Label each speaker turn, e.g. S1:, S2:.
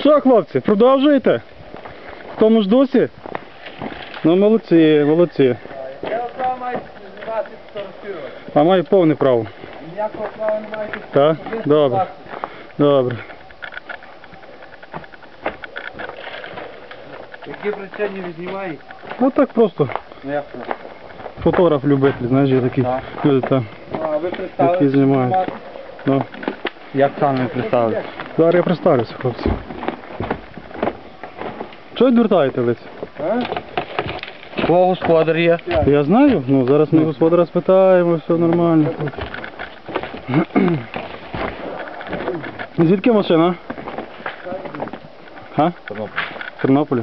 S1: Що, хлопці, продовжуєте? В тому ж дусі? Ну, молодці, молодці.
S2: Я права маю знімати фотографувати.
S1: А маю повне право.
S2: Ніякого права не маєте.
S1: Так? Добре. Добре.
S2: Які причини ви знімаєте?
S1: Ну так просто.
S2: Ну як це?
S1: Фотограф-любитель, знаєш, є такі
S2: Так.
S1: люди там.
S2: А ви
S1: Які
S2: представили?
S1: знімають. Ну.
S2: Як саме ви представили?
S1: Зараз я представлюся, хлопці. Чого відвертаєте лиць?
S2: Кого господар є?
S1: Я знаю, ну зараз ми господара спитаємо, все нормально. Звідки машина? Га? З Тернополя.